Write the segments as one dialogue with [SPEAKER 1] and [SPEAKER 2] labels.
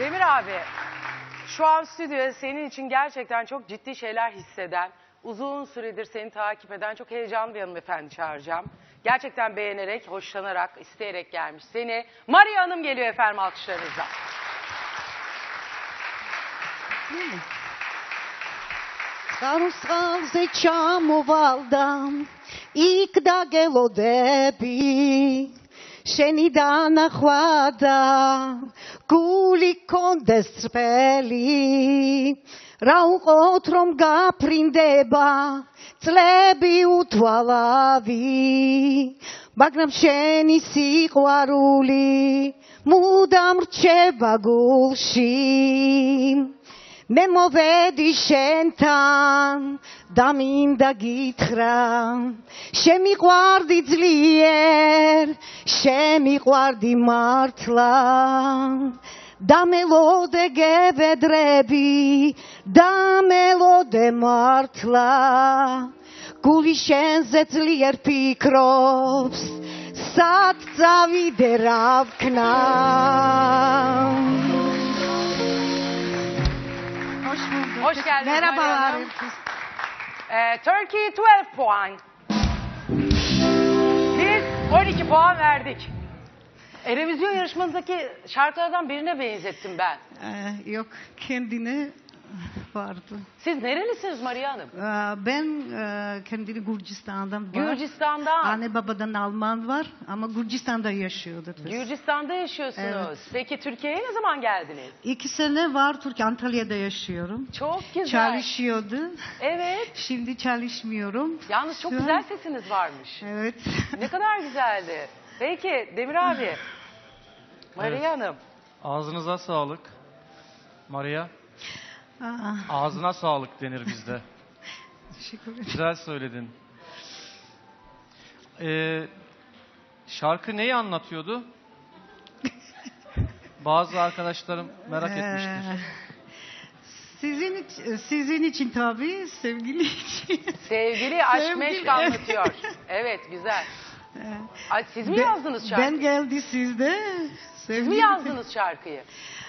[SPEAKER 1] Demir abi, şu an stüdyoya senin için gerçekten çok ciddi şeyler hisseden, uzun süredir seni takip eden çok heyecanlı bir hanımefendi çağıracağım. Gerçekten beğenerek, hoşlanarak, isteyerek gelmiş. Seni Maria Hanım geliyor efendim alkışlarınızla.
[SPEAKER 2] Խարուսխալ չամովալդամ, իք դագելով դեպի, շենի դանախվադա, գուլիկոն դեսպելի, ռաուղ օտրոմ գապրինդեբա, ծլեբի ուտվալավի, բագնամ շենի սիղվարուլի, մուդամր չէ բագուլշիմ, Մեմովեդի շենթան, դամին դա գիթրան, շեմի ղարդի ձլիեր, շեմի ղարդի մարդլան, դամելոդ է գևեդրեբի, դամելոդ է մարդլա, գուլի շեն զեցլիեր պիկրոպս, սատ ծավի դերավ կնան.
[SPEAKER 1] Hoş geldiniz.
[SPEAKER 2] Merhabalar.
[SPEAKER 1] Turkey 12 puan. Biz 12 puan verdik. Erevizyon yarışmanızdaki şarkılardan birine benzettim ben.
[SPEAKER 2] Yok, kendine vardı.
[SPEAKER 1] Siz nerelisiniz Maria Hanım?
[SPEAKER 2] Ben kendini Gürcistan'dan var.
[SPEAKER 1] Gürcistan'dan.
[SPEAKER 2] Anne babadan Alman var ama Gürcistan'da yaşıyordu.
[SPEAKER 1] Gürcistan'da yaşıyorsunuz.
[SPEAKER 2] Evet.
[SPEAKER 1] Peki Türkiye'ye ne zaman geldiniz?
[SPEAKER 2] 2 sene var Türkiye, Antalya'da yaşıyorum.
[SPEAKER 1] Çok güzel.
[SPEAKER 2] Çalışıyordu.
[SPEAKER 1] Evet.
[SPEAKER 2] Şimdi çalışmıyorum.
[SPEAKER 1] Yalnız çok
[SPEAKER 2] Şu an-
[SPEAKER 1] güzel sesiniz varmış.
[SPEAKER 2] Evet.
[SPEAKER 1] Ne kadar güzeldi. Peki Demir abi. Maria
[SPEAKER 3] Evet.
[SPEAKER 1] Hanım.
[SPEAKER 3] Ağzınıza sağlık. Maria,
[SPEAKER 2] Aa,
[SPEAKER 3] ağzına sağlık denir bizde.
[SPEAKER 2] teşekkür ederim.
[SPEAKER 3] Güzel söyledin. Şarkı neyi anlatıyordu? Bazı arkadaşlarım merak etmiştir.
[SPEAKER 2] Sizin için tabii, sevgili için.
[SPEAKER 1] Sevgili aşk
[SPEAKER 2] Sevgili,
[SPEAKER 1] meşk
[SPEAKER 2] evet.
[SPEAKER 1] anlatıyor. Evet güzel. Ay, siz mi yazdınız şarkıyı?
[SPEAKER 2] Ben geldi sizde.
[SPEAKER 1] Siz mi yazdınız şarkıyı?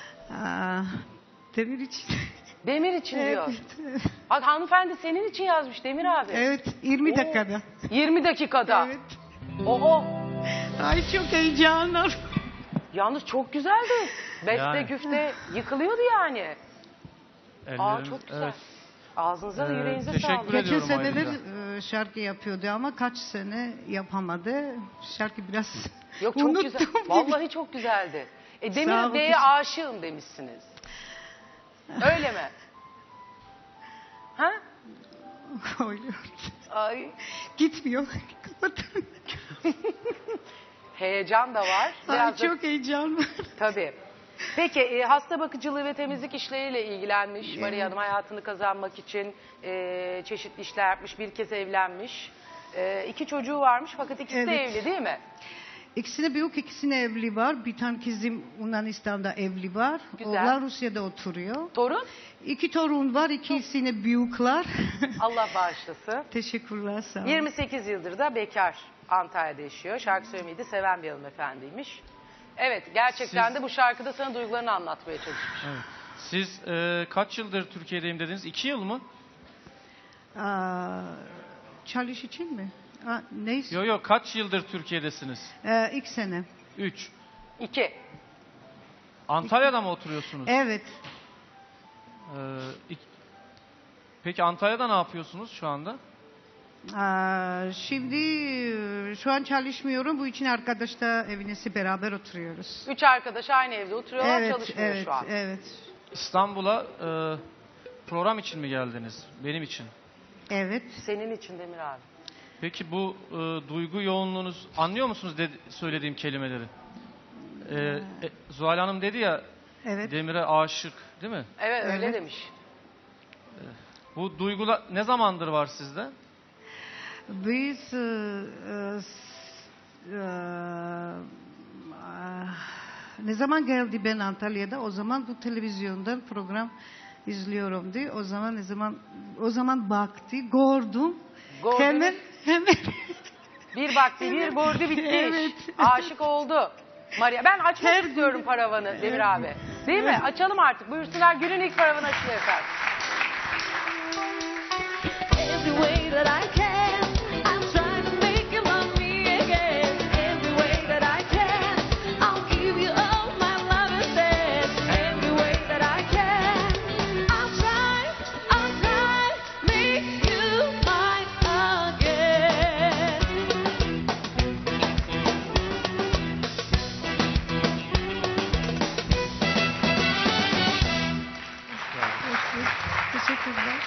[SPEAKER 2] Demir için.
[SPEAKER 1] Demir için diyor.
[SPEAKER 2] Evet.
[SPEAKER 1] Bak hanımefendi senin için yazmış Demir abi.
[SPEAKER 2] Evet, 20
[SPEAKER 1] Oo.
[SPEAKER 2] dakikada.
[SPEAKER 1] 20 dakikada.
[SPEAKER 2] Evet.
[SPEAKER 1] Oho.
[SPEAKER 2] Ay çok heyecanlı.
[SPEAKER 1] Yalnız çok güzeldi. Beste
[SPEAKER 3] Yani.
[SPEAKER 1] güfte yıkılıyordu yani.
[SPEAKER 3] Ellerimiz-
[SPEAKER 1] Çok güzel.
[SPEAKER 3] Evet.
[SPEAKER 1] Ağzınıza yüreğinize
[SPEAKER 3] teşekkür
[SPEAKER 1] sağlık.
[SPEAKER 3] ederim.
[SPEAKER 2] Geçen
[SPEAKER 3] Ediyorum
[SPEAKER 2] seneler
[SPEAKER 3] ayrıca.
[SPEAKER 2] şarkı yapıyordu ama kaç sene yapamadı. Şarkı biraz
[SPEAKER 1] Yok çok
[SPEAKER 2] unuttum
[SPEAKER 1] güzel.
[SPEAKER 2] gibi.
[SPEAKER 1] Vallahi çok güzeldi.
[SPEAKER 2] Sağ
[SPEAKER 1] Demir
[SPEAKER 2] olun.
[SPEAKER 1] Bey'e aşığım demişsiniz. Öyle mi? Ha?
[SPEAKER 2] Öyle.
[SPEAKER 1] Ay.
[SPEAKER 2] Gitmiyor. Kapatın.
[SPEAKER 1] Heyecan da var.
[SPEAKER 2] Ay,
[SPEAKER 1] Biraz da-
[SPEAKER 2] çok heyecanlı.
[SPEAKER 1] Tabii. Peki hasta bakıcılığı ve temizlik işleriyle ilgilenmiş Maria Hanım, hayatını kazanmak için çeşitli işler yapmış, bir kez evlenmiş. 2 çocuğu varmış fakat ikisi de
[SPEAKER 2] Evet.
[SPEAKER 1] evli değil mi?
[SPEAKER 2] İkisine büyük, ikisine evli var. Bir tane kızım Yunanistan'da evli var.
[SPEAKER 1] Güzel.
[SPEAKER 2] Oğlan Rusya'da oturuyor.
[SPEAKER 1] Torun?
[SPEAKER 2] 2 torun var, ikisine büyükler.
[SPEAKER 1] Allah bağışlasın.
[SPEAKER 2] Teşekkürler, sağ olun.
[SPEAKER 1] 28 yıldır da bekar, Antalya'da yaşıyor. Şarkı söylemeyi de seven bir hanımefendiymiş. Evet, gerçekten de bu şarkıda sana duygularını anlatmaya çalışmış.
[SPEAKER 3] Evet. Siz kaç yıldır Türkiye'deyim dediniz? 2 yıl mı?
[SPEAKER 2] Çalış için mi? Neyse.
[SPEAKER 3] Yok yok, kaç yıldır Türkiye'desiniz?
[SPEAKER 2] 2 sene.
[SPEAKER 3] 3.
[SPEAKER 1] 2.
[SPEAKER 3] Antalya'da mı oturuyorsunuz?
[SPEAKER 2] Evet.
[SPEAKER 3] Peki Antalya'da ne yapıyorsunuz şu anda?
[SPEAKER 2] Şimdi şu an çalışmıyorum. Bu için arkadaşla evinesi beraber oturuyoruz.
[SPEAKER 1] 3 arkadaş aynı evde oturuyorlar, çalışmıyor
[SPEAKER 2] evet,
[SPEAKER 1] şu an.
[SPEAKER 2] evet.
[SPEAKER 3] İstanbul'a program için mi geldiniz? Benim için.
[SPEAKER 2] Evet.
[SPEAKER 1] Senin için Demir abi.
[SPEAKER 3] Peki bu duygu yoğunluğunuz, anlıyor musunuz söylediğim kelimeleri? Zuhal Hanım dedi ya,
[SPEAKER 2] Evet.
[SPEAKER 3] Demir'e aşık değil mi?
[SPEAKER 1] Evet, öyle
[SPEAKER 2] Evet.
[SPEAKER 1] demiş.
[SPEAKER 3] Bu duygular ne zamandır var sizde?
[SPEAKER 2] Biz ne zaman geldi ben Antalya'da, o zaman bu televizyondan program izliyorum diye. O zaman baktı, gördüm.
[SPEAKER 1] Gördünüz.
[SPEAKER 2] Hemen.
[SPEAKER 1] Bir baktı, bir gördü, bitti iş.
[SPEAKER 2] Evet.
[SPEAKER 1] Aşık oldu. Maria, ben açmak
[SPEAKER 2] Her
[SPEAKER 1] istiyorum paravanı Demir abi. Değil mi? Açalım artık. Buyursunlar. Günün ilk paravanı açılıyor efendim.
[SPEAKER 4] Every way that I can, I'm trying to make you love me again. Every way that I can, I'll give you all my love instead. Every way that I can, I'll try, make you mine again.
[SPEAKER 2] Teşekkürler.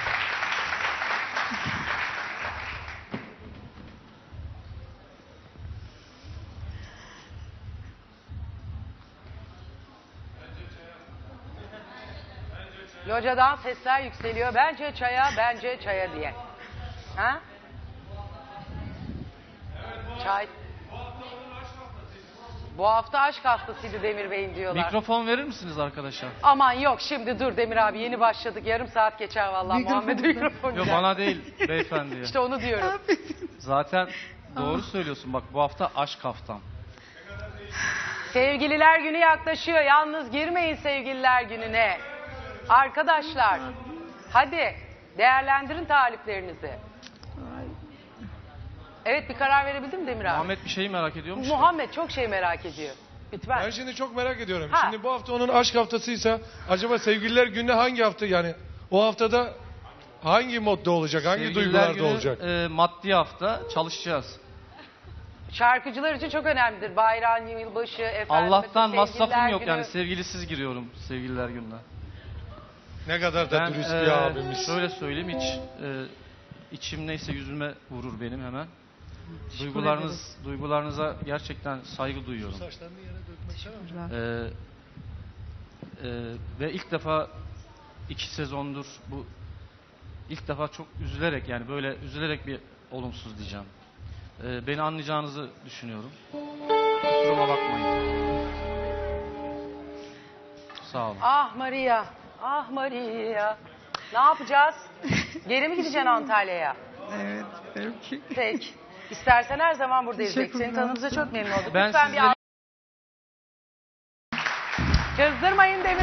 [SPEAKER 1] Locadan sesler yükseliyor. Bence çaya diye. Ha? Çay. Bu hafta aşk haftasıydı Demir Bey'in diyorlar.
[SPEAKER 3] Mikrofon verir misiniz arkadaşa?
[SPEAKER 1] Aman yok şimdi dur Demir abi yeni başladık. Yarım saat geçer vallahi
[SPEAKER 2] Mikrofon
[SPEAKER 1] Muhammed
[SPEAKER 2] mu?
[SPEAKER 1] mikrofon.
[SPEAKER 3] Yok
[SPEAKER 1] güzel.
[SPEAKER 3] bana değil beyefendiye.
[SPEAKER 1] İşte onu diyorum.
[SPEAKER 3] Zaten doğru söylüyorsun. Bak bu hafta aşk haftam.
[SPEAKER 1] Sevgililer günü yaklaşıyor. Yalnız girmeyin sevgililer gününe. Arkadaşlar hadi değerlendirin taliplerinizi. Evet bir karar verebildin mi Demir abi?
[SPEAKER 3] Muhammed bir şeyi merak ediyormuş.
[SPEAKER 1] Muhammed çok şey merak ediyor. Lütfen.
[SPEAKER 5] Ben şimdi çok merak ediyorum.
[SPEAKER 1] Ha.
[SPEAKER 5] Şimdi bu hafta onun aşk haftasıysa acaba sevgililer günü hangi hafta yani o haftada hangi modda olacak? Hangi
[SPEAKER 3] Sevgililer
[SPEAKER 5] duygularda
[SPEAKER 3] günü,
[SPEAKER 5] olacak?
[SPEAKER 3] Maddi hafta çalışacağız.
[SPEAKER 1] Şarkıcılar için çok önemlidir. Bayram, yılbaşı, efendim.
[SPEAKER 3] Allah'tan
[SPEAKER 1] mesela
[SPEAKER 3] masrafım
[SPEAKER 1] sevgililer
[SPEAKER 3] yok
[SPEAKER 1] günü.
[SPEAKER 3] yani sevgilisiz giriyorum sevgililer gününe.
[SPEAKER 5] Ne kadar da
[SPEAKER 3] Ben
[SPEAKER 5] dürüst bir abimiz.
[SPEAKER 3] şöyle söyleyeyim içim neyse yüzüme vurur benim hemen. Duygularınıza gerçekten saygı duyuyorum. Ve ilk defa 2 sezondur bu ilk defa çok üzülerek yani böyle üzülerek bir olumsuz diyeceğim. Beni anlayacağınızı düşünüyorum. Kusuruma bakmayın. Sağ olun.
[SPEAKER 1] Ah Maria, ah Maria. Ne yapacağız? Geri mi gideceksin Antalya'ya?
[SPEAKER 2] Evet, belki.
[SPEAKER 1] Peki. İstersen her zaman buradayız. Seni
[SPEAKER 2] Teşekkürler.
[SPEAKER 1] tanıdığımıza çok memnun olduk.
[SPEAKER 3] Ben
[SPEAKER 1] Lütfen
[SPEAKER 3] sizleri-
[SPEAKER 1] bir Kızdırmayın Demir